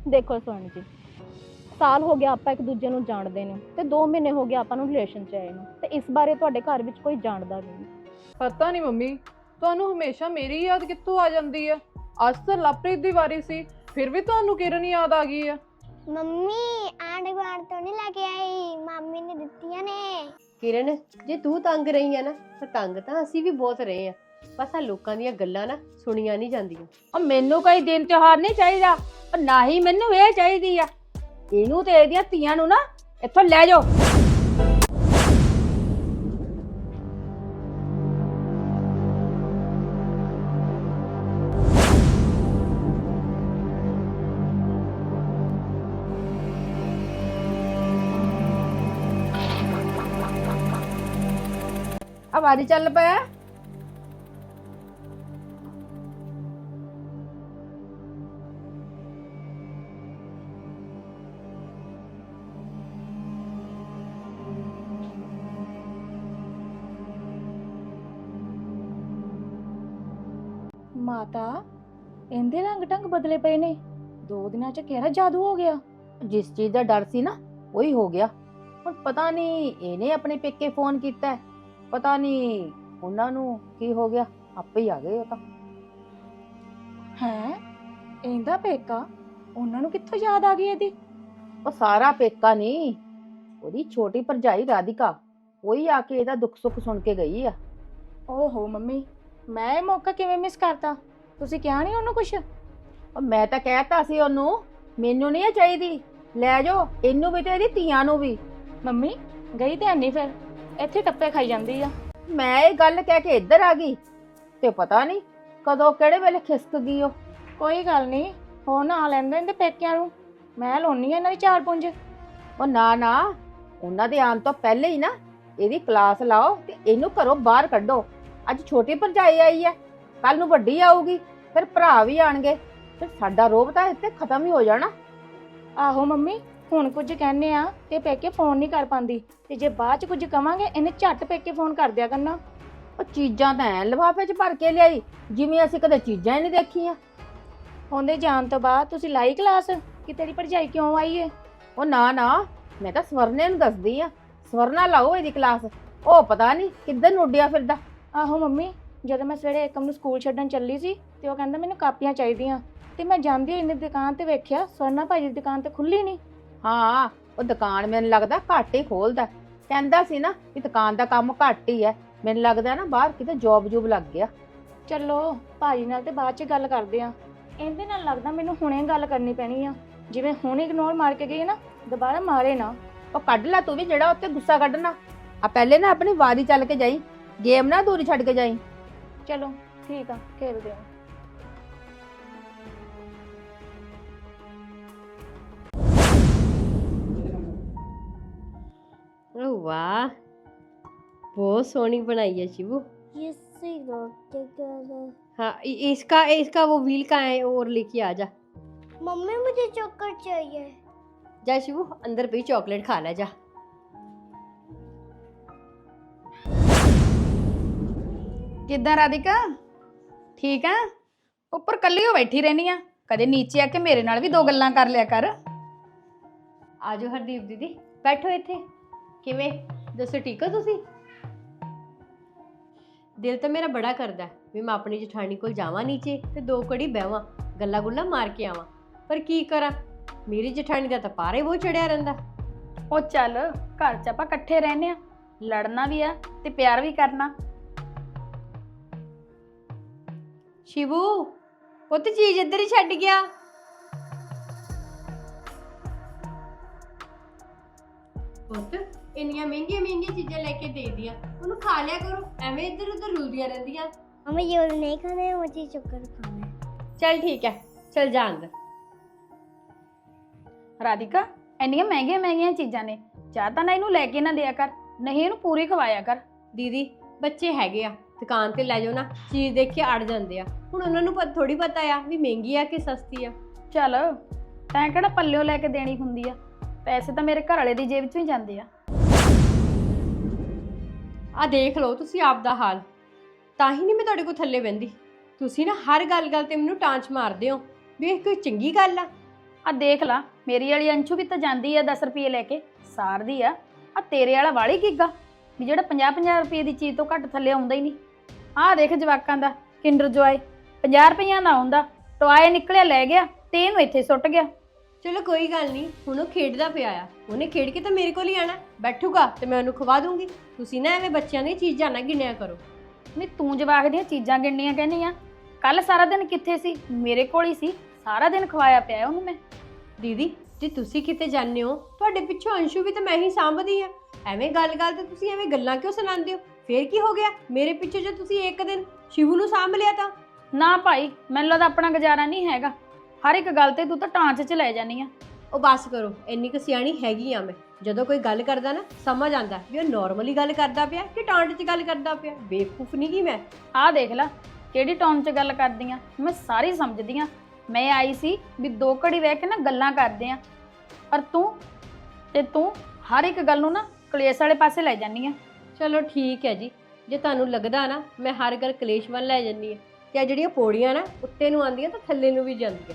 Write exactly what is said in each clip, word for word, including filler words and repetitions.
ਦੇਖੋ ਸੁਣ ਜੀ, ਸਾਲ ਹੋ ਗਿਆ ਆਪਾਂ ਇੱਕ ਦੂਜੇ ਨੂੰ ਜਾਣਦੇ ਨੇ ਤੇ ਦੋ ਮਹੀਨੇ ਹੋ ਗਏ ਆਪਾਂ ਨੂੰ ਰਿਲੇਸ਼ਨ 'ਚ ਆਏ ਨੂੰ, ਤੇ ਇਸ ਬਾਰੇ ਤੁਹਾਡੇ ਘਰ ਵਿੱਚ ਕੋਈ ਜਾਣਦਾ ਵੀ ਨਹੀਂ। ਪਤਾ ਨਹੀਂ ਮੰਮੀ, ਤੁਹਾਨੂੰ ਹਮੇਸ਼ਾ ਮੇਰੀ ਯਾਦ ਕਿੱਥੋਂ ਆ ਜਾਂਦੀ ਹੈ। ਅੱਜ ਤਾਂ ਲਵਪ੍ਰੀਤ ਦੀ ਵਾਰੀ ਸੀ, ਫਿਰ ਵੀ ਤੁਹਾਨੂੰ ਕਿਰਨ ਯਾਦ ਆ ਗਈ ਹੈ। ਮੰਮੀ ਆਂਢ ਗੁਆਂਢ ਤੋਂ ਨਹੀਂ ਲੈ ਕੇ ਆਈ, ਮਾਮੀ ਨੇ ਦਿੱਤੀਆਂ ਨੇ। ਕਿਰਨ, ਜੇ ਤੂੰ ਤੰਗ ਰਹੀ ਆ ਨਾ ਤਾਂ ਤੰਗ ਤਾਂ ਅਸੀਂ ਵੀ ਬਹੁਤ ਰਹੇ ਆ। ਬਸ ਆ ਲੋਕਾਂ ਦੀਆਂ ਗੱਲਾਂ ਨਾ ਸੁਣੀਆਂ ਨਹੀਂ ਜਾਂਦੀਆਂ। ਉਹ ਮੈਨੂੰ ਕੋਈ ਦਿਨ ਤਿਉਹਾਰ ਨਹੀਂ ਚਾਹੀਦਾ, ਪਰ ਨਾ ਹੀ ਮੈਨੂੰ ਇਹ ਚਾਹੀਦੀ ਆ। ਇਹਨੂੰ ਤੇ ਇਹਦੀਆਂ ਧੀਆਂ ਨੂੰ ਨਾ ਇੱਥੋਂ ਲੈ ਜਾਓ। ਆਵਾਜ਼ ਚੱਲ ਪਿਆ। ਮਾਤਾ, ਇਹਦੇ ਰੰਗ ਢੰਗ ਬਦਲੇ ਪਏ ਨੇ। ਦੋ ਦਿਨਾਂ 'ਚ ਕਿਹੜਾ ਜਾਦੂ ਹੋ ਗਿਆ? ਜਿਸ ਚੀਜ਼ ਦਾ ਡਰ ਸੀ ਨਾ ਉਹੀ ਹੋ ਗਿਆ। ਹੁਣ ਪਤਾ ਨਹੀਂ ਇਹਨੇ ਆਪਣੇ ਪੇਕੇ ਫੋਨ ਕੀਤਾ, ਪਤਾ ਨਹੀਂ ਉਹਨਾਂ ਨੂੰ ਕੀ ਹੋ ਗਿਆ, ਆਪੇ ਹੀ ਆ ਗਏ ਉਹ ਤਾਂ। ਹੈ ਇਹਦਾ ਪੇਕਾ, ਉਹਨਾਂ ਨੂੰ ਕਿੱਥੋਂ ਯਾਦ ਆ ਗਈ ਇਹਦੀ? ਉਹ ਸਾਰਾ ਪੇਕਾ ਨਹੀਂ, ਉਹਦੀ ਛੋਟੀ ਭਰਜਾਈ ਰਾਧਿਕਾ, ਉਹੀ ਆ ਕੇ ਇਹਦਾ ਦੁੱਖ ਸੁੱਖ ਸੁਣ ਕੇ ਗਈ ਆ। ਓਹੋ ਮੰਮੀ, ਮੈਂ ਇਹ ਮੌਕਾ ਕਿਵੇਂ ਮਿਸ ਕਰਤਾ? ਤੁਸੀਂ ਕਿਹਾ ਨਹੀਂ ਉਹਨੂੰ ਕੁਛ? ਉਹ ਮੈਂ ਤਾਂ ਕਹਿਤਾ ਸੀ ਉਹਨੂੰ, ਮੈਨੂੰ ਨਹੀਂ ਇਹ ਚਾਹੀਦੀ, ਲੈ ਜਾਓ ਇਹਨੂੰ ਵੀ ਤੇ ਇਹਦੀ ਧੀਆਂ ਨੂੰ ਵੀ। ਮੰਮੀ ਗਈ ਤੇ ਨਹੀਂ, ਫਿਰ ਇੱਥੇ ਟੱਪੇ ਖਾਈ ਜਾਂਦੀ ਆ। ਮੈਂ ਇਹ ਗੱਲ ਕਹਿ ਕੇ ਇੱਧਰ ਆ ਗਈ ਤੇ ਪਤਾ ਨਹੀਂ ਕਦੋਂ ਕਿਹੜੇ ਵੇਲੇ ਖਿਸਕ ਗਈ ਉਹ। ਕੋਈ ਗੱਲ ਨਹੀਂ, ਹੋ ਨਾ ਲੈਂਦੇ ਇਹਦੇ ਪੇਕਿਆਂ ਨੂੰ, ਮੈਂ ਲਾਉਣੀ ਆ ਇਹਨਾਂ ਦੀ ਚਾਰ ਪੁੰਜ। ਉਹ ਨਾ ਨਾ, ਉਹਨਾਂ ਦੇ ਆਉਣ ਤੋਂ ਪਹਿਲੇ ਹੀ ਨਾ ਇਹਦੀ ਕਲਾਸ ਲਾਓ ਤੇ ਇਹਨੂੰ ਘਰੋਂ ਬਾਹਰ ਕੱਢੋ। ਅੱਜ ਛੋਟੀ ਭਰਜਾਈ ਆਈ ਹੈ, ਕੱਲ ਨੂੰ ਵੱਡੀ ਆਊਗੀ, ਫਿਰ ਭਰਾ ਵੀ ਆਣਗੇ, ਫਿਰ ਸਾਡਾ ਰੋਬ ਤਾਂ ਇੱਥੇ ਖਤਮ ਹੀ ਹੋ ਜਾਣਾ। ਆਹੋ ਮੰਮੀ, ਹੁਣ ਕੁਝ ਕਹਿੰਨੇ ਆ ਤੇ ਪੇਕੇ ਫੋਨ ਨਹੀਂ ਕਰ ਪਾਉਂਦੀ, ਤੇ ਜੇ ਬਾਅਦ ਚ ਕੁਝ ਕਵਾਂਗੇ ਇਹਨੇ ਝੱਟ ਪੇਕੇ ਫੋਨ ਕਰ ਦਿਆ ਕਰਨਾ। ਉਹ ਚੀਜ਼ਾਂ ਤਾਂ ਐ ਲਿਫਾਫੇ 'ਚ ਭਰ ਕੇ ਲਿਆਈ ਜਿਵੇਂ ਅਸੀਂ ਕਦੇ ਚੀਜ਼ਾਂ ਹੀ ਨਹੀਂ ਦੇਖੀਆਂ। ਹੁੰਦੇ ਜਾਣ ਤੋਂ ਬਾਅਦ ਤੁਸੀਂ ਲਾਈ ਕਲਾਸ ਕਿ ਤੇਰੀ ਭਰਜਾਈ ਕਿਉਂ ਆਈ ਏ? ਉਹ ਨਾ ਨਾ, ਮੈਂ ਤਾਂ ਸਵਰਨੇ ਨੂੰ ਦੱਸਦੀ ਆ, ਸਵਰਨਾ ਲਾਓ ਇਹਦੀ ਕਲਾਸ। ਉਹ ਪਤਾ ਨਹੀਂ ਕਿੱਧਰ ਨੂੰ ਉੱਡਿਆ ਫਿਰਦਾ। ਆਹੋ ਮੰਮੀ, ਜਦੋਂ ਮੈਂ ਸਵੇਰੇ ਏਕਮ ਨੂੰ ਸਕੂਲ ਛੱਡਣ ਚੱਲੀ ਸੀ ਤੇ ਉਹ ਕਹਿੰਦਾ ਮੈਨੂੰ ਕਾਪੀਆਂ ਚਾਹੀਦੀਆਂ, ਤੇ ਮੈਂ ਜਾਂਦੀ ਹੋਈ ਇਹਨੇ ਦੁਕਾਨ ਤੇ ਵੇਖਿਆ ਸਵਰਨਾ ਭਾਜੀ ਦੀ ਦੁਕਾਨ ਤੇ ਖੁੱਲੀ ਨਹੀਂ। ਹਾਂ, ਉਹ ਦੁਕਾਨ ਮੈਨੂੰ ਲੱਗਦਾ ਘੱਟ ਹੀ ਖੋਲਦਾ, ਕਹਿੰਦਾ ਸੀ ਨਾ ਕਿ ਦੁਕਾਨ ਦਾ ਕੰਮ ਘੱਟ ਹੀ ਹੈ। ਮੈਨੂੰ ਲੱਗਦਾ ਨਾ ਬਾਹਰ ਕਿਤੇ ਜੋਬ ਜੂਬ ਲੱਗ ਗਿਆ। ਚਲੋ ਭਾਜੀ ਨਾਲ ਤੇ ਬਾਅਦ ਚ ਗੱਲ ਕਰਦੇ ਆ, ਇਹਦੇ ਨਾਲ ਲੱਗਦਾ ਮੈਨੂੰ ਹੁਣੇ ਗੱਲ ਕਰਨੀ ਪੈਣੀ ਆ। ਜਿਵੇਂ ਹੁਣ ਇਗਨੋਰ ਮਾਰ ਕੇ ਗਈ ਨਾ, ਦੁਬਾਰਾ ਮਾਰੇ ਨਾ। ਉਹ ਕੱਢ ਲੈ ਤੂੰ ਵੀ ਜਿਹੜਾ ਉੱਤੇ ਗੁੱਸਾ ਕੱਢਣਾ। ਆ ਪਹਿਲੇ ਨਾ ਆਪਣੀ ਵਾਰੀ ਚੱਲ ਕੇ ਜਾਈ, ਗੇਮ ਨਾ ਦੂਰੀ ਛੱਡ ਕੇ ਜਾਈ। ਚਲੋ ਠੀਕ ਆ, ਖੇਡਦੇ ਆ। ओ वाह, बहुत सोहनी बनाई है शिवू। ये सिगरेट हाँ, इ- इसका इसका वो व्हील का है, और लेके आ जा। मम्मी मुझे चॉकलेट चाहिए। जा शिवू, अंदर भी चॉकलेट खा ले जा। ਕਿੱਦਾਂ ਰਾਧਿਕਾ, ਠੀਕ ਆ? ਉੱਪਰ ਕੱਲੀ ਹੋ ਬੈਠੀ ਰਹਿਨੀ ਆ, ਕਦੇ ਨੀਚੇ ਆ ਕੇ ਮੇਰੇ ਨਾਲ ਵੀ ਦੋ ਗੱਲਾਂ ਕਰ ਲਿਆ ਕਰ। आजो हरदीप दीदी, बैठो इत्थे। किवें दसो, ठीक हो तुसी? दिल तो मेरा बड़ा करदा है भी मैं अपनी जठानी कोल जावां नीचे ते दो घड़ी बहवां, गल्लां गुल्लां मार के आवां, पर की करा, मेरी जठानी दा तां पारा ही बहुत चढ़िया रहिंदा। ਉਹ ਚੱਲ, ਘਰ 'ਚ ਆਪਾਂ ਇਕੱਠੇ ਰਹਿੰਦੇ ਆ, ਲੜਨਾ ਵੀ ਆ ਤੇ ਪਿਆਰ ਵੀ ਕਰਨਾ। शिवू, वो तो चीज इधर ही छड़ गया। पुत्त, इन्नियां महंगियां महंगियां चीज़ां लेके दे दियां, उन्हें खा लिया करो, एवें इधर उधर रुलदियां रहंदियां। मम्मी ये वाला नहीं खाना है, मुझे चॉकलेट खाना है। चल ठीक है, चल जा अंदर। ਰਾਧਿਕਾ, ਇੰਨੀਆਂ ਮਹਿੰਗੀਆਂ ਮਹਿੰਗੀਆਂ ਚੀਜ਼ਾਂ ਨੇ, ਚਾਹ ਤਾਂ ਨਾ ਇਹਨੂੰ ਲੈ ਕੇ ਨਾ ਦਿਆ ਕਰ, ਨਹੀਂ ਇਹਨੂੰ ਪੂਰੀ ਖਵਾਇਆ ਕਰ। दीदी, बच्चे हैगे आ, दुकान ते लै जाओ ना, चीज़ देख के अड़ जांदे आ। हुण उन्हां नूं पता थोड़ी पता आ भी महंगी आ कि सस्ती आ। ਚੱਲ, ਤੈਂ ਕਿਹੜਾ ਪੱਲਿਓ ਲੈ ਕੇ ਦੇਣੀ ਹੁੰਦੀ ਆ, ਪੈਸੇ ਤਾਂ ਮੇਰੇ ਘਰ ਵਾਲੇ ਦੀ ਜੇਬ 'ਚੋਂ ਹੀ ਜਾਂਦੇ ਆ। ਆ ਦੇਖ ਲਓ ਤੁਸੀਂ ਆਪ ਦਾ ਹਾਲ, ਤਾਂ ਹੀ ਨਹੀਂ ਮੈਂ ਤੁਹਾਡੇ ਕੋਲ ਥੱਲੇ ਬਹਿੰਦੀ। ਤੁਸੀਂ ਨਾ ਹਰ ਗੱਲ ਗੱਲ ਤੇ ਮੈਨੂੰ ਟਾਂਚ ਮਾਰਦੇ ਹੋ ਵੀ ਇਹ ਕੋਈ ਚੰਗੀ ਗੱਲ ਆ। ਆ ਦੇਖ ਲਾ, ਮੇਰੀ ਵਾਲੀ ਅੰਸ਼ੂ ਵੀ ਤਾਂ ਜਾਂਦੀ ਆ ਦਸ ਰੁਪਏ ਲੈ ਕੇ, ਸਾਰਦੀ ਆ। ਆ ਤੇਰੇ ਵਾਲਾ ਵਾਲੀ ਗਿੱਗਾ ਵੀ ਜਿਹੜਾ ਪੰਜਾਹ ਪੰਜਾਹ ਰੁਪਏ ਦੀ ਚੀਜ਼ ਤੋਂ ਘੱਟ ਥੱਲੇ ਆਉਂਦਾ ਹੀ ਨਹੀਂ। ਆਹ ਦੇਖ ਜਵਾਕਾਂ ਦਾ ਕਿੰਡਰ ਜੋਏ ਪੰਜਾਹ ਰੁਪਈਆਂ ਦਾ ਆਉਂਦਾ, ਟੋਏ ਨਿਕਲਿਆ ਲੈ ਗਿਆ ਤੇ ਇਹਨੂੰ ਇੱਥੇ ਸੁੱਟ ਗਿਆ। ਚਲੋ ਕੋਈ ਗੱਲ ਨਹੀਂ, ਹੁਣ ਉਹ ਖੇਡਦਾ ਪਿਆ ਆ, ਉਹਨੇ ਖੇਡ ਕੇ ਤਾਂ ਮੇਰੇ ਕੋਲ ਹੀ ਆਣਾ, ਬੈਠੂਗਾ ਤੇ ਮੈਂ ਉਹਨੂੰ ਖਵਾ ਦੂੰਗੀ। ਤੁਸੀਂ ਨਾ ਐਵੇਂ ਬੱਚਿਆਂ ਦੀਆਂ ਚੀਜ਼ਾਂ ਨਾ ਗਿਣਿਆ ਕਰੋ। ਨਹੀਂ ਤੂੰ ਜਵਾਕ ਦੀਆਂ ਚੀਜ਼ਾਂ ਗਿਣਨੀਆਂ ਕਹਿੰਦੀ ਆ, ਕੱਲ ਸਾਰਾ ਦਿਨ ਕਿੱਥੇ ਸੀ? ਮੇਰੇ ਕੋਲ ਹੀ ਸੀ, ਸਾਰਾ ਦਿਨ ਖਵਾਇਆ ਪਿਆ ਉਹਨੂੰ ਮੈਂ। ਦੀਦੀ ਜੇ ਤੁਸੀਂ ਕਿਤੇ ਜਾਂਦੇ ਹੋ, ਤੁਹਾਡੇ ਪਿੱਛੋਂ ਅੰਸ਼ੂ ਵੀ ਤਾਂ ਮੈਂ ਹੀ ਸਾਂਭਦੀ ਆ। ਐਵੇਂ ਗੱਲ-ਗੱਲ ਤੇ ਤੁਸੀਂ ਐਵੇਂ ਗੱਲਾਂ ਕਿਉਂ ਸੁਣਾਉਂਦੇ ਹੋ? ਫੇਰ ਕੀ ਹੋ ਗਿਆ? ਮੇਰੇ ਪਿੱਛੇ ਜੇ ਤੁਸੀਂ ਇੱਕ ਦਿਨ ਸ਼ਿਵੂ ਨੂੰ ਸਾਂਭ ਲਿਆ ਤਾਂ। ਨਾ ਭਾਈ, ਮੈਨੂੰ ਲੱਗਦਾ ਆਪਣਾ ਗੁਜ਼ਾਰਾ ਨਹੀਂ ਹੈਗਾ। ਹਰ ਇੱਕ ਗੱਲ ਤੇ ਤੂੰ ਤਾਂ ਟਾਂਚ 'ਚ ਲੈ ਜਾਨੀ ਆ। ਉਹ ਬਸ ਕਰੋ, ਇੰਨੀ ਕੁ ਸਿਆਣੀ ਹੈਗੀ ਆ ਮੈਂ। ਜਦੋਂ ਕੋਈ ਗੱਲ ਕਰਦਾ ਨਾ ਸਮਝ ਆਉਂਦਾ ਵੀ ਉਹ ਨਾਰਮਲੀ ਗੱਲ ਕਰਦਾ ਪਿਆ ਕਿ ਟਾਂਟ 'ਚ ਗੱਲ ਕਰਦਾ ਪਿਆ। ਬੇਵਕੂਫ ਨਹੀਂ ਗੀ ਮੈਂ। ਆਹ ਦੇਖ ਲੈ ਕਿਹੜੀ ਟੋਨ 'ਚ ਗੱਲ ਕਰਦੀ ਆ, ਮੈਂ ਸਾਰੀ ਸਮਝਦੀ ਆ। ਮੈਂ ਆਈ ਸੀ ਵੀ ਦੋ ਘੜੀ ਬਹਿ ਕੇ ਨਾ ਗੱਲਾਂ ਕਰਦੇ ਆ, ਪਰ ਤੂੰ ਤੇ ਤੂੰ ਹਰ ਇੱਕ ਗੱਲ ਨੂੰ ਨਾ ਕਲੇਸ਼ ਵਾਲੇ ਪਾਸੇ ਲੈ ਜਾਨੀ ਆ। ਚਲੋ ਠੀਕ ਹੈ ਜੀ, ਜੇ ਤੁਹਾਨੂੰ ਲੱਗਦਾ ਨਾ ਮੈਂ ਹਰ ਗੱਲ ਕਲੇਸ਼ ਵੱਲ ਲੈ ਜੰਨੀ ਆ, ਤੇ ਆ ਜਿਹੜੀਆਂ ਪੌੜੀਆਂ ਨਾ ਉੱਤੇ ਨੂੰ ਆਉਂਦੀਆਂ ਤਾਂ ਥੱਲੇ ਨੂੰ ਵੀ ਜਾਂਦੀਆਂ।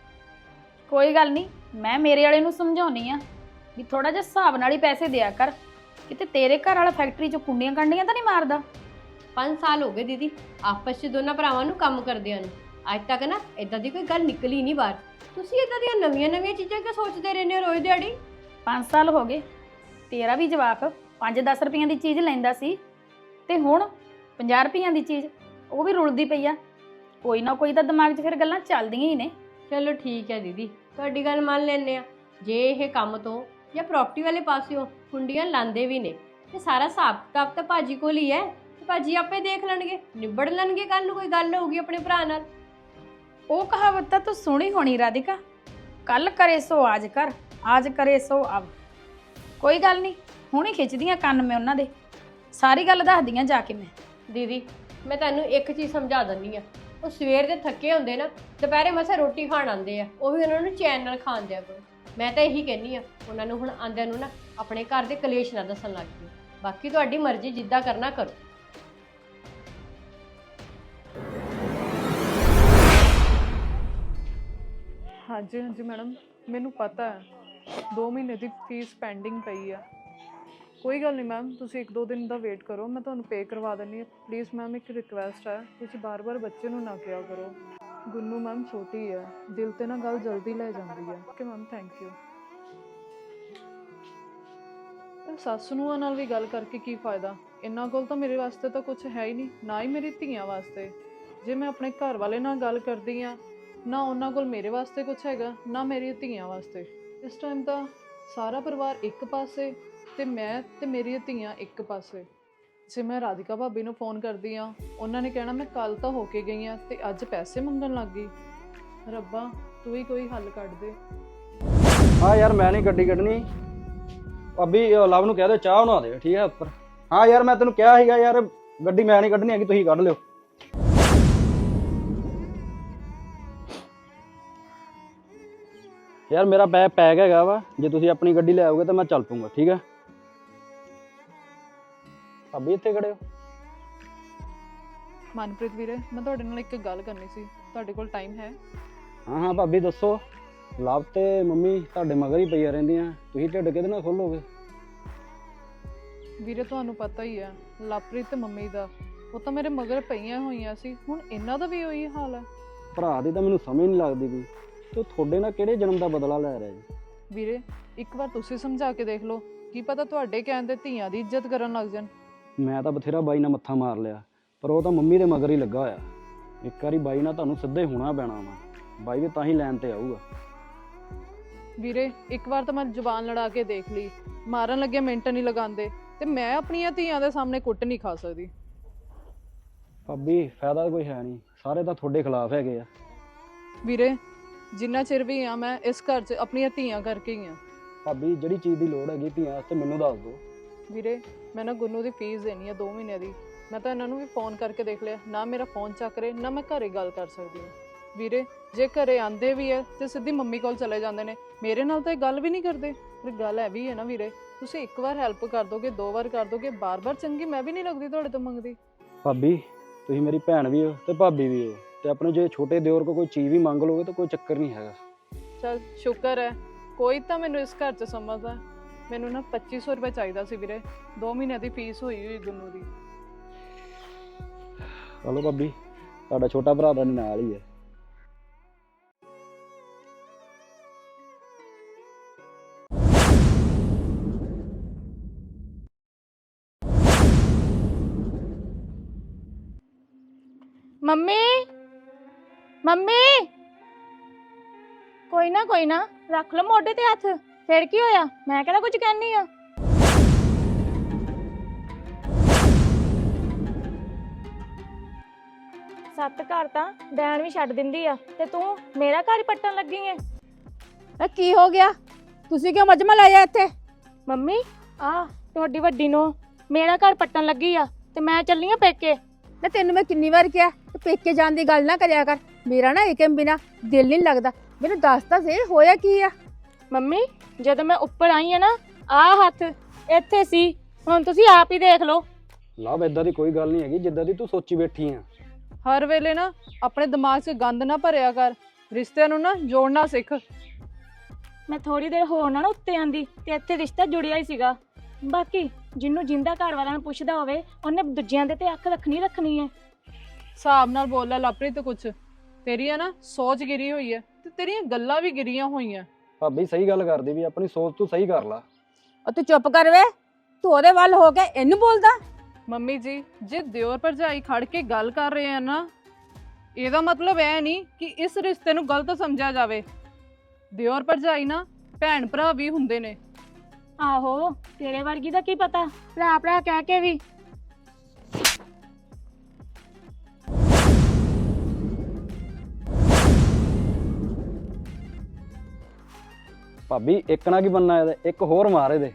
ਕੋਈ ਗੱਲ ਨਹੀਂ, ਮੈਂ ਮੇਰੇ ਵਾਲੇ ਨੂੰ ਸਮਝਾਉਣੀ ਆ ਵੀ ਥੋੜਾ ਜਿਹਾ ਹਿਸਾਬ ਨਾਲ ਹੀ ਪੈਸੇ ਦਿਆ ਕਰ, ਕਿਤੇ ਤੇਰੇ ਘਰ ਵਾਲਾ ਫੈਕਟਰੀ 'ਚ ਕੁੰਡੀਆਂ ਕੰਡੀਆਂ ਤਾਂ ਨਹੀਂ ਮਾਰਦਾ। ਪੰਜ ਸਾਲ ਹੋ ਗਏ ਦੀਦੀ ਆਪਸ 'ਚ ਦੋਨਾਂ ਭਰਾਵਾਂ ਨੂੰ ਕੰਮ ਕਰਦਿਆਂ ਨੂੰ, ਅੱਜ ਤੱਕ ਨਾ ਇਦਾਂ ਦੀ ਕੋਈ ਗੱਲ ਨਿਕਲੀ ਨਹੀਂ ਬਾਹਰ। ਤੁਸੀਂ ਇਦਾਂ ਦੀਆਂ ਨਵੀਆਂ-ਨਵੀਆਂ ਚੀਜ਼ਾਂ ਕਿਉਂ ਸੋਚਦੇ ਰਹਿੰਦੇ ਹੋ ਰੋਜ਼ ਦਿਹਾੜੀ? ਪੰਜ ਸਾਲ ਹੋ ਗਏ, ਤੇਰਾ ਵੀ ਜਵਾਕ ਪੰਜ ਦਸ ਰੁਪਈਆਂ ਦੀ ਚੀਜ਼ ਲੈਂਦਾ ਸੀ ਤੇ ਹੁਣ ਪੰਜਾਹ ਰੁਪਈਆਂ ਦੀ ਚੀਜ਼ ਉਹ ਵੀ ਰੁਲਦੀ ਪਈ ਆ। ਕੋਈ ਨਾ ਕੋਈ ਤਾਂ ਦਿਮਾਗ 'ਚ ਫਿਰ ਗੱਲਾਂ ਚੱਲਦੀਆਂ ਹੀ ਨੇ। ਚਲੋ ਠੀਕ ਹੈ ਦੀਦੀ, ਤੁਹਾਡੀ ਗੱਲ ਮੰਨ ਲੈਂਦੇ ਆ। ਜੇ ਇਹ ਕੰਮ ਤੋਂ ਜਾਂ ਪ੍ਰਾਪਰਟੀ ਵਾਲੇ ਪਾਸਿਓਂ ਕੁੰਡੀਆਂ ਲਾਉਂਦੇ ਵੀ ਨੇ ਤੇ ਸਾਰਾ ਹਿਸਾਬ ਕਿਤਾਬ ਤਾਂ ਭਾਜੀ ਕੋਲ ਹੀ ਹੈ, ਤੇ ਭਾਜੀ ਆਪੇ ਦੇਖ ਲੈਣਗੇ, ਨਿਬੜ ਲੈਣਗੇ। ਕੱਲ ਨੂੰ ਕੋਈ ਗੱਲ ਹੋਊਗੀ ਆਪਣੇ ਭਰਾ ਨਾਲ। ਉਹ ਕਹਾਵਤ ਤਾਂ ਤੂੰ ਸੁਣੀ ਹੋਣੀ ਰਾਧਿਕਾ, ਕੱਲ ਕਰੇ ਸੋ ਆਜ ਕਰ, ਆਜ ਕਰੇ ਸੋ ਅਬ। ਕੋਈ ਗੱਲ ਨਹੀਂ, ਹੁਣੇ ਖਿੱਚਦੀਆਂ ਕੰਨ ਮੈਂ ਉਹਨਾਂ ਦੇ, ਸਾਰੀ ਗੱਲ ਦੱਸਦੀਆਂ ਜਾ ਕੇ ਮੈਂ। ਦੀਦੀ ਮੈਂ ਤੁਹਾਨੂੰ ਇੱਕ ਚੀਜ਼ ਸਮਝਾ ਦਿੰਦੀ ਆ, ਉਹ ਸਵੇਰ ਦੇ ਥੱਕੇ ਹੁੰਦੇ ਨਾ, ਦੁਪਹਿਰੇ ਮਸਾਂ ਰੋਟੀ ਖਾਣ ਆਉਂਦੇ ਆ, ਉਹ ਵੀ ਉਹਨਾਂ ਨੂੰ ਚੈਨ ਨਾਲ ਖਾਣ ਦਿਆ ਕਰੋ। ਮੈਂ ਤਾਂ ਇਹੀ ਕਹਿੰਦੀ ਆ ਉਹਨਾਂ ਨੂੰ, ਹੁਣ ਆਂਦਿਆਂ ਨੂੰ ਨਾ ਆਪਣੇ ਘਰ ਦੇ ਕਲੇਸ਼ ਨਾ ਦੱਸਣ ਲੱਗ ਪਓ। ਬਾਕੀ ਤੁਹਾਡੀ ਮਰਜ਼ੀ, ਜਿੱਦਾਂ ਕਰਨਾ ਕਰੋ। ਹਾਂਜੀ ਹਾਂਜੀ ਮੈਡਮ, ਮੈਨੂੰ ਪਤਾ ਹੈ ਦੋ ਮਹੀਨੇ ਦੀ ਫੀਸ ਪੈਂਡਿੰਗ ਪਈ ਆ। ਕੋਈ ਗੱਲ ਨਹੀਂ ਮੈਮ, ਤੁਸੀਂ ਇੱਕ ਦੋ ਦਿਨ ਦਾ ਵੇਟ ਕਰੋ, ਮੈਂ ਤੁਹਾਨੂੰ ਪੇ ਕਰਵਾ ਦਿੰਦੀ ਹਾਂ। ਪਲੀਜ਼ ਮੈਮ ਇੱਕ ਰਿਕੁਐਸਟ ਹੈ, ਤੁਸੀਂ ਬਾਰ-ਬਾਰ ਬੱਚੇ ਨੂੰ ਨਾ ਕਿਹਾ ਕਰੋ। ਗੁੰਨੂ ਮੈਮ ਛੋਟੀ ਹੈ, ਦਿਲ ਤੇ ਨਾ ਗੱਲ ਜਲਦੀ ਲੈ ਜਾਂਦੀ ਹੈ। Okay ma'am, thank you. ਸੱਸ ਨੂੰਹਾਂ ਨਾਲ ਵੀ ਗੱਲ ਕਰਕੇ ਕੀ ਫਾਇਦਾ? ਇਹਨਾਂ ਕੋਲ ਤਾਂ ਮੇਰੇ ਵਾਸਤੇ ਤਾਂ ਕੁਝ ਹੈ ਹੀ ਨਹੀਂ, ਨਾ ਹੀ ਮੇਰੀ ਧੀਆਂ ਵਾਸਤੇ। ਜੇ ਮੈਂ ਆਪਣੇ ਘਰ ਵਾਲੇ ਨਾਲ ਗੱਲ ਕਰਦੀ ਹਾਂ, ਨਾ ਉਹਨਾਂ ਕੋਲ ਮੇਰੇ ਵਾਸਤੇ ਕੁਝ ਹੈਗਾ, ਨਾ ਮੇਰੀ ਧੀਆਂ ਵਾਸਤੇ। ਇਸ ਟਾਈਮ ਤਾਂ ਸਾਰਾ ਪਰਿਵਾਰ ਇੱਕ ਪਾਸੇ ਤੇ ਮੈਂ ਤੇ ਮੇਰੀਆਂ ਧੀਆਂ ਇੱਕ ਪਾਸੇ। ਜੇ ਮੈਂ ਰਾਧਿਕਾ ਭਾਬੀ ਨੂੰ ਫੋਨ ਕਰਦੀ ਹਾਂ, ਉਹਨਾਂ ਨੇ ਕਹਿਣਾ ਮੈਂ ਕੱਲ ਤਾਂ ਹੋ ਕੇ ਗਈ ਹਾਂ ਤੇ ਅੱਜ ਪੈਸੇ ਮੰਗਣ ਲੱਗ ਗਈ। ਰੱਬਾ ਤੂੰ ਹੀ ਕੋਈ ਹੱਲ ਕੱਢ ਦੇ। ਹਾਂ ਯਾਰ ਮੈਂ ਨਹੀਂ ਗੱਡੀ ਕੱਢਣੀ, ਭਾਬੀ ਲਵ ਨੂੰ ਕਹਿ ਦਿਓ ਚਾਹ ਬਣਾ ਦੇ, ਠੀਕ ਹੈ ਉੱਪਰ। ਹਾਂ ਯਾਰ ਮੈਂ ਤੈਨੂੰ ਕਿਹਾ ਸੀਗਾ ਯਾਰ, ਗੱਡੀ ਮੈਂ ਨਹੀਂ ਕੱਢਣੀ ਹੈਗੀ, ਤੁਸੀਂ ਕੱਢ ਲਿਓ। ਯਾਰ ਮੇਰਾ ਬੈਗ ਪੈਕ ਹੈਗਾ ਵਾ, ਜੇ ਤੁਸੀਂ ਆਪਣੀ ਗੱਡੀ ਲੈ ਆਓਗੇ ਤਾਂ ਮੈਂ ਚੱਲ ਪੂੰਗਾ, ਠੀਕ ਹੈ। ਭਾਬੀ ਇੱਥੇ ਖੜੇ ਹੋ? ਮਨਪ੍ਰੀਤ ਵੀਰੇ, ਮੈਂ ਤੁਹਾਡੇ ਨਾਲ ਇੱਕ ਗੱਲ ਕਰਨੀ ਸੀ, ਤੁਹਾਡੇ ਕੋਲ ਟਾਈਮ ਹੈ? ਹਾਂ ਹਾਂ ਭਾਬੀ ਦੱਸੋ। ਲਵ ਤੇ ਮੰਮੀ ਤੁਹਾਡੇ ਮਗਰ ਹੀ ਪਈਆਂ ਰਹਿੰਦੀਆਂ, ਤੁਸੀਂ ਢਿੱਡ ਕਿਹਦੇ ਨਾਲ ਖੋਲੋਗੇ? ਵੀਰੇ ਤੁਹਾਨੂੰ ਪਤਾ ਹੀ ਹੈ ਲਵਪ੍ਰੀਤ ਤੇ ਮੰਮੀ ਦਾ, ਉਹ ਤਾਂ ਮੇਰੇ ਮਗਰ ਪਈਆਂ ਹੋਈਆਂ ਸੀ, ਹੁਣ ਇਹਨਾਂ ਦਾ ਵੀ ਉਹੀ ਹਾਲ ਹੈ। ਭਰਾ ਦੀ ਤਾਂ ਮੈਨੂੰ ਸਮਝ ਨਹੀਂ ਲੱਗਦੀ ਵੀ ਤੂੰ ਤੁਹਾਡੇ ਨਾਲ ਕਿਹੜੇ ਜਨਮ ਦਾ ਬਦਲਾ ਲੈ ਰਿਹਾ ਜੀ। ਵੀਰੇ ਇੱਕ ਵਾਰ ਤੁਸੀਂ ਸਮਝਾ ਕੇ ਦੇਖ ਲਓ, ਕੀ ਪਤਾ ਤੁਹਾਡੇ ਕਹਿਣ ਤੇ ਧੀਆਂ ਦੀ ਇੱਜ਼ਤ ਕਰਨ ਲੱਗ ਜਾਣ। ਮੈਂ ਤਾਂ ਬਥੇਰਾ ਬਾਈ ਨਾਲ ਮੱਥਾ ਮਾਰ ਲਿਆ, ਪਰ ਉਹ ਤਾਂ ਮੰਮੀ ਦੇ ਮਗਰ ਹੀ ਲੱਗਾ ਹੋਇਆ। ਇੱਕ ਵਾਰੀ ਬਾਈ ਨਾਲ ਤੁਹਾਨੂੰ ਸਿੱਧੇ ਹੋਣਾ ਪੈਣਾ ਵਾ, ਬਾਈ ਵੀ ਤਾਂ ਹੀ ਲੈਣ ਤੇ ਆਊਗਾ। ਵੀਰੇ ਇੱਕ ਵਾਰ ਤਾਂ ਮੈਂ ਜ਼ੁਬਾਨ ਲੜਾ ਕੇ ਦੇਖ ਲਈ, ਮਾਰਨ ਲੱਗੇ ਮਿੰਟ ਨਹੀਂ ਲਗਾਉਂਦੇ, ਤੇ ਮੈਂ ਆਪਣੀਆਂ ਧੀਆਂ ਦੇ ਸਾਹਮਣੇ ਕੁੱਟ ਨਹੀਂ ਖਾ ਸਕਦੀ। ਭਾਬੀ ਫਾਇਦਾ ਕੋਈ ਹੈ ਨਹੀਂ, ਸਾਰੇ ਤਾਂ ਤੁਹਾਡੇ ਖਿਲਾਫ ਹੈਗੇ ਆ। ਵੀਰੇ ਜਿੰਨਾ ਚਿਰ ਵੀ ਆ ਮੈਂ ਇਸ ਘਰ 'ਚ ਆਪਣੀਆਂ ਧੀਆਂ ਕਰਕੇ ਹੀ ਆ। ਭਾਬੀ ਜਿਹੜੀ ਚੀਜ਼ ਦੀ ਲੋੜ ਹੈਗੀ ਧੀਆਂ ਵਾਸਤੇ ਮੈਨੂੰ ਦੱਸ ਦਿਓ। ਵੀਰੇ ਮੈਂ ਨਾ ਗੁੰਨੂ ਦੀ ਫੀਸ ਦੇਣੀ ਆ ਦੋ ਮਹੀਨੇ ਦੀ, ਮੈਂ ਤਾਂ ਇਹਨਾਂ ਨੂੰ ਵੀ ਫੋਨ ਕਰਕੇ ਦੇਖ ਲਿਆ, ਨਾ ਮੇਰਾ ਫੋਨ ਚੱਕ ਰਹੇ, ਨਾ ਮੈਂ ਘਰੇ ਗੱਲ ਕਰ ਸਕਦੀ ਹਾਂ। ਵੀਰੇ ਜੇ ਘਰੇ ਆਂਦੇ ਵੀ ਹੈ ਤੇ ਸਿੱਧੀ ਮੰਮੀ ਕੋਲ ਚਲੇ ਜਾਂਦੇ ਨੇ, ਮੇਰੇ ਨਾਲ ਤਾਂ ਇਹ ਗੱਲ ਵੀ ਨਹੀਂ ਕਰਦੇ। ਪਰ ਗੱਲ ਇਹ ਵੀ ਹੈ ਨਾ ਵੀਰੇ, ਤੁਸੀਂ ਇੱਕ ਵਾਰ ਹੈਲਪ ਕਰ ਦੋਗੇ, ਦੋ ਵਾਰ ਕਰ ਦੋਗੇ, ਬਾਰ-ਬਾਰ ਚੰਗੀ ਮੈਂ ਵੀ ਨਹੀਂ ਲੱਗਦੀ ਤੁਹਾਡੇ ਤੋਂ ਮੰਗਦੀ। ਭਾਬੀ ਤੁਸੀਂ ਮੇਰੀ ਭੈਣ ਵੀ ਹੋ ਤੇ ਭਾਬੀ ਵੀ ਹੋ, ਤੇ ਆਪਣੇ ਜੇ ਛੋਟੇ ਦਿਓਰ ਕੋ ਕੋਈ ਚੀਜ਼ ਵੀ ਮੰਗ ਲਓਗੇ ਤਾਂ ਕੋਈ ਚੱਕਰ ਨਹੀਂ ਹੈਗਾ। ਚਲ ਸ਼ੁਕਰ ਹੈ ਕੋਈ ਤਾਂ ਮੈਨੂੰ ਇਸ ਘਰ 'ਚ ਸਮਝਦਾ। ਮੈਨੂੰ ਨਾ ਪੱਚੀ ਸੌ ਰੁਪਏ ਚਾਹੀਦਾ ਸੀ ਵੀਰੇ, ਦੋ ਮਹੀਨਿਆਂ ਦੀ ਫੀਸ ਹੋਈ ਹੋਈ ਗੁੰਨੂ ਦੀ। ਚਲੋ ਭਾਬੀ, ਤੁਹਾਡਾ ਛੋਟਾ ਭਰਾ ਤਾਂ ਨਾਲ ਹੀ ਹੈ। ਮੰਮੀ ਮੰਮੀ ਕੋਈ ਨਾ ਕੋਈ ਨਾ, ਰੱਖ ਲਓ ਮੋਢੇ ਤੇ ਹੱਥ, ਫਿਰ ਕੀ ਹੋਇਆ? ਮੈਂ ਕਿਹੜਾ ਕੁਝ ਕਹਿਣੀ ਆ। ਸੱਤ ਘਰ ਤਾਂ ਡੈਣ ਵੀ ਛੱਡ ਦਿੰਦੀ ਆ, ਤੇ ਤੂੰ ਮੇਰਾ ਘਰ ਹੀ ਪੱਟਣ ਲੱਗੀ ਐ। ਇਹ ਕੀ ਹੋ ਗਿਆ? ਤੁਸੀਂ ਕਿਉਂ ਮਜਮਾ ਲਾਇਆ ਇੱਥੇ? ਮੰਮੀ ਆ ਤੁਹਾਡੀ ਵੱਡੀ ਨੂੰ ਮੇਰਾ ਘਰ ਪੱਟਣ ਲੱਗੀ ਆ, ਤੇ ਮੈਂ ਚੱਲੀ ਆ ਪੇਕੇ। ਨਾ ਤੈਨੂੰ ਮੈਂ ਕਿੰਨੀ ਵਾਰ ਕਿਹਾ ਕਿ ਪੇਕੇ ਜਾਣ ਦੀ ਗੱਲ ਨਾ ਕਰਿਆ ਕਰ। ਮੇਰਾ ਨਾ ਏਕਮ ਬਿਨਾ ਦਿਲ ਨਹੀਂ ਲੱਗਦਾ। ਮੈਨੂੰ ਦੱਸ ਤਾਂ ਸੇ ਹੋਇਆ ਕੀ ਆ? ਮੰਮੀ ਜਦੋਂ ਮੈਂ ਉੱਪਰ ਆਈ ਆ ਨਾ, ਆ ਹੱਥ ਇੱਥੇ ਸੀ, ਹੁਣ ਤੁਸੀਂ ਆਪ ਹੀ ਦੇਖ ਲਓ। ਲਵ, ਏਦਾਂ ਦੀ ਕੋਈ ਗੱਲ ਨਹੀਂ ਹੈਗੀ ਜਿੱਦਾਂ ਦੀ ਤੂੰ ਸੋਚੀ ਬੈਠੀ ਆ। ਹਰ ਵੇਲੇ ਨਾ ਆਪਣੇ ਦਿਮਾਗ 'ਚ ਗੰਦ ਨਾ ਭਰਿਆ ਕਰ, ਰਿਸ਼ਤਿਆਂ ਨੂੰ ਨਾ ਜੋੜਨਾ ਸਿੱਖ। ਮੈਂ ਥੋੜੀ ਦੇਰ ਹੋਰ ਨਾ ਉੱਤੇ ਆਂਦੀ ਤੇ ਇੱਥੇ ਰਿਸ਼ਤਾ ਜੁੜਿਆ ਹੀ ਸੀਗਾ। ਬਾਕੀ ਜਿਹਨੂੰ ਜਿੰਦਾ ਘਰ ਵਾਲਿਆਂ ਨੂੰ ਪੁੱਛਦਾ ਹੋਵੇ, ਉਹਨੇ ਦੂਜਿਆਂ ਦੇ ਤੇ ਅੱਖ ਰੱਖਣੀ ਰੱਖਣੀ ਹੈ। ਹਿਸਾਬ ਨਾਲ ਬੋਲ ਲੈ ਲਾਪਰੀ, ਤੇ ਕੁਛ ਤੇਰੀ ਆ ਨਾ ਸੋਚ ਗਿਰੀ ਹੋਈ ਹੈ ਤੇ ਤੇਰੀਆਂ ਗੱਲਾਂ ਵੀ ਗਿਰੀਆਂ ਹੋਈਆਂ। ਭਾਬੀ ਸਹੀ ਗੱਲ ਕਰਦੀ ਵੀ, ਆਪਣੀ ਸੋਚ ਤੂੰ ਸਹੀ ਕਰ ਲਾ। ਉਹ ਤੂੰ ਚੁੱਪ ਕਰ ਵੇ, ਤੂੰ ਉਹਦੇ ਵੱਲ ਹੋ ਕੇ ਇਹਨੂੰ ਬੋਲਦਾ। ਮੰਮੀ ਜੀ, ਜੇ ਦਿਓਰ ਭਰਜਾਈ ਖੜ ਕੇ ਗੱਲ ਕਰ ਰਹੇ ਆ ਨਾ, ਇਹਦਾ ਮਤਲਬ ਇਹ ਨਹੀਂ ਕਿ ਇਸ ਰਿਸ਼ਤੇ ਨੂੰ ਗਲਤ ਸਮਝਿਆ ਜਾਵੇ। ਦਿਓਰ ਭਰਜਾਈ ਨਾ ਭੈਣ ਭਰਾ ਵੀ ਹੁੰਦੇ ਨੇ। ਆਹੋ, ਤੇਰੇ ਵਰਗੀ ਦਾ ਕੀ ਪਤਾ, ਭਰਾ ਭਰਾ ਕਹਿ ਕੇ ਵੀ। ਭਾਬੀ ਇੱਕ ਨਾ ਕੀ ਬੰਨਾ ਇਹਦਾ, ਇੱਕ ਹੋਰ ਮਾਰ ਇਹਦੇ।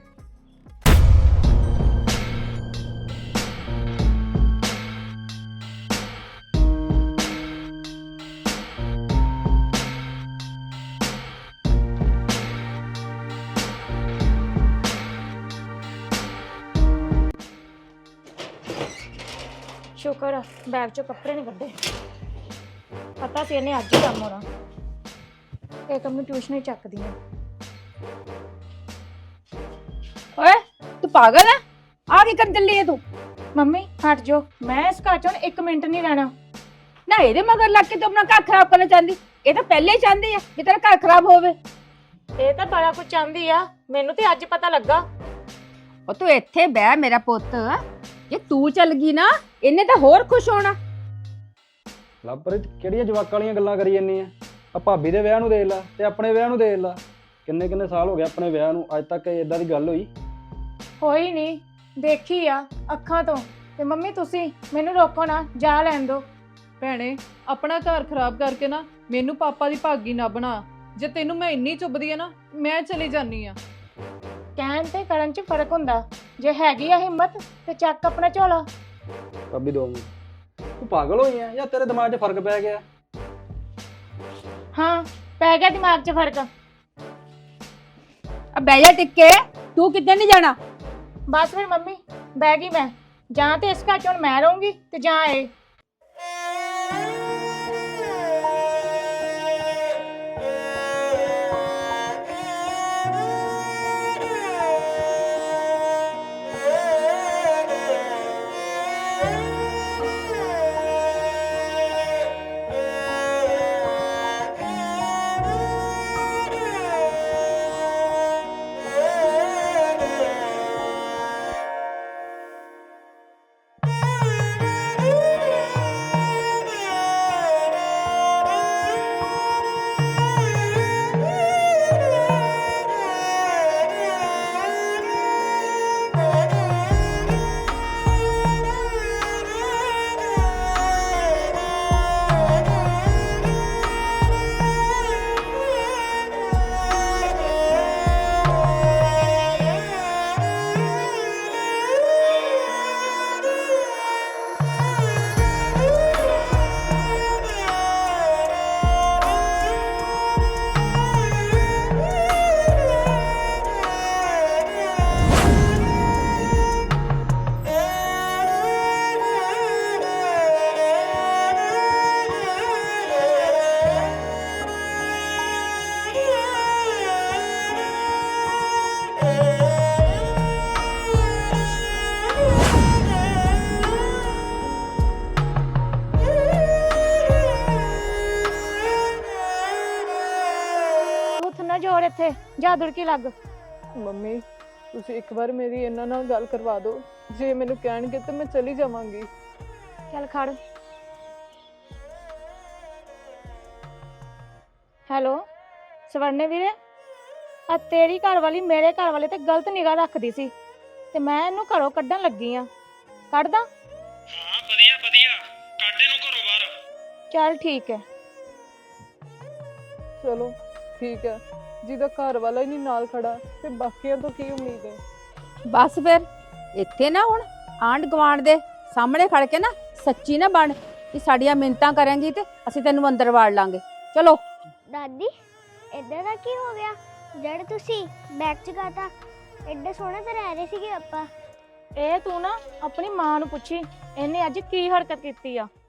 ਸ਼ੁਕਰ ਆ ਬੈਗ ਚੋਂ ਕੱਪੜੇ ਨਹੀਂ ਕੱਢੇ, ਪਤਾ ਸੀ ਇਹਨੇ ਅੱਜ ਹੀ ਕੰਮ ਹੋਣਾ। ਇਹ ਕੰਮ ਨੂੰ ਟਿਊਸ਼ਨ ਹੀ ਚੱਕਦੀ ਆ। ਓਏ ਤੂੰ ਪਾਗਲ ਹੈ? ਆ ਕੀ ਕਰਨ ਚੱਲੀ ਹੈ ਤੂੰ? ਮੰਮੀ ਹਟ ਜਾਓ, ਮੈਂ ਇਸ ਘਰ ਚੋਂ ਇੱਕ ਮਿੰਟ ਨਹੀਂ ਰਹਿਣਾ। ਨਾ ਇਹਦੇ ਮਗਰ ਲੱਗ ਕੇ ਤੂੰ ਆਪਣਾ ਘਰ ਖਰਾਬ ਕਰਨਾ ਚਾਹੁੰਦੀ? ਇਹ ਤਾਂ ਪਹਿਲੇ ਹੀ ਚਾਹੁੰਦੀ ਆ ਕਿ ਤੇਰਾ ਘਰ ਖਰਾਬ ਹੋਵੇ। ਇਹ ਤਾਂ ਬੜਾ ਕੁਝ ਚਾਹੁੰਦੀ ਆ, ਮੈਨੂੰ ਤੇ ਅੱਜ ਪਤਾ ਲੱਗਾ। ਉਹ ਤੂੰ ਇੱਥੇ ਬਹਿ ਮੇਰਾ ਪੁੱਤ, ਜੇ ਤੂੰ ਚੱਲ ਗਈ ਨਾ ਇਹਨੇ ਤਾਂ ਹੋਰ ਖੁਸ਼ ਹੋਣਾ। ਲਵਪ੍ਰੀਤ ਕਿਹੜੀਆਂ ਜਵਾਕਾਂ ਵਾਲੀਆਂ ਗੱਲਾਂ ਕਰੀ ਜੰਨੀ ਆ? ਆ ਭਾਬੀ ਦੇ ਵਿਆਹ ਨੂੰ ਦੇਖ ਲਾ ਤੇ ਆਪਣੇ ਵਿਆਹ ਨੂੰ ਦੇਖ ਲਾ, ਕਿੰਨੇ ਕਿੰਨੇ ਸਾਲ ਹੋ ਗਏ ਆਪਣੇ ਵਿਆਹ ਨੂੰ, ਅੱਜ ਤੱਕ ਏਦਾਂ ਦੀ ਗੱਲ ਹੋਈ? ਹੋਈ ਨਹੀਂ, ਦੇਖੀ ਆ ਅੱਖਾਂ ਤੋਂ। ਤੇ ਮੰਮੀ ਤੁਸੀਂ ਮੈਨੂੰ ਰੋਕੋ ਨਾ, ਜਾ ਲੈਣ ਦਿਓ। ਭੈਣੇ, ਆਪਣਾ ਘਰ ਖਰਾਬ ਕਰਕੇ ਨਾ ਮੈਨੂੰ ਪਾਪਾ ਦੀ ਭਾਗੀ ਨਾ ਬਣਾ। ਜੇ ਤੈਨੂੰ ਮੈਂ ਇੰਨੀ ਚੁੱਭਦੀ ਆ ਨਾ, ਮੈਂ ਚਲੀ ਜਾਨੀ ਆ। ਕਹਿਣ ਤੇ ਕਰਨ 'ਚ ਫਰਕ ਹੁੰਦਾ। ਜੇ ਹੈਗੀ ਆ ਹਿੰਮਤ ਤੇ ਚੱਕ ਆਪਣਾ ਝੋਲਾ। ਭਾਬੀ ਦੋ ਮਿੰਟ, ਤੂੰ ਪਾਗਲ ਹੋਈ ਆ ਜਾਂ ਤੇਰੇ ਦਿਮਾਗ 'ਚ ਫਰਕ ਪੈ ਗਿਆ? ਹਾਂ ਪੈ ਗਿਆ ਦਿਮਾਗ 'ਚ ਫਰਕ। ਆ ਬਹਿ ਜਾ ਟਿੱਕੇ, ਤੂੰ ਕਿੱਥੇ ਨਹੀਂ ਜਾਣਾ। ਬਸ ਫਿਰ ਮੰਮੀ ਬਹਿ ਗਈ ਮੈਂ, ਜਾਂ ਤੇ ਇਸ ਘਰ 'ਚ ਹੁਣ ਮੈਂ ਰਹੂੰਗੀ ਤੇ ਜਾਂ ਇਹ। ਨਾ ਜੋੜ ਇੱਥੇ ਜਾ ਦੁੜਕੀ ਲੱਗ। ਮੰਮੀ ਤੁਸੀਂ ਇੱਕ ਵਾਰ ਮੇਰੀ ਇਹਨਾਂ ਨਾਲ ਗੱਲ ਕਰਵਾ ਦਿਓ, ਜੇ ਮੈਨੂੰ ਕਹਿਣਗੇ ਤਾਂ ਮੈਂ ਚਲੀ ਜਾਵਾਂਗੀ। ਚੱਲ ਖੜ। ਹੈਲੋ ਸਵਰਨੇ ਵੀਰੇ, ਆ ਤੇਰੀ ਘਰ ਵਾਲੀ ਮੇਰੇ ਘਰ ਵਾਲੇ ਤੇ ਗਲਤ ਨਿਗਾਹ ਰੱਖਦੀ ਸੀ ਤੇ ਮੈਂ ਇਹਨੂੰ ਘਰੋਂ ਕੱਢਣ ਲੱਗੀ ਆ। ਕੱਢਦਾ? ਹਾਂ ਵਧੀਆ ਵਧੀਆ, ਕੱਢ ਇਹਨੂੰ ਘਰੋਂ ਬਾਹਰ। ਚੱਲ ਠੀਕ ਹੈ। ਚਲੋ ਠੀਕ ਹੈ, ਜਿਹਦਾ ਘਰ ਵਾਲਾ ਹੀ ਨਹੀਂ ਨਾਲ ਖੜਾ ਤੇ ਬਾਕੀਆਂ ਤੋਂ ਕੀ ਉਮੀਦ ਹੈ। ਬਸ ਫਿਰ ਇੱਥੇ ਨਾ ਹੁਣ ਆਂਢ ਗੁਆਂਢ ਦੇ ਸਾਹਮਣੇ ਖੜ ਕੇ ਨਾ ਸੱਚੀ ਨਾ ਬਣ ਕਿ ਸਾਡੀਆਂ ਮਿੰਨਤਾਂ ਕਰਾਂਗੀ ਤੇ ਅਸੀਂ ਤੈਨੂੰ ਅੰਦਰ ਵਾੜ ਲਾਂਗੇ। ਚਲੋ। ਦਾਦੀ ਏਦਾਂ ਦਾ ਕੀ ਹੋ ਗਿਆ ਜਿਹੜਾ ਤੁਸੀਂ ਬੈਗ ਚਕਾਤਾ? ਐਡੇ ਸੋਹਣੇ ਤੇ ਰਹਿ ਰਹੇ ਸੀਗੇ ਆਪਾਂ। ਇਹ ਤੂੰ ਨਾ ਆਪਣੀ ਮਾਂ ਨੂੰ ਪੁੱਛੀ ਇਹਨੇ ਅੱਜ ਕੀ ਹਰਕਤ ਕੀਤੀ ਆ।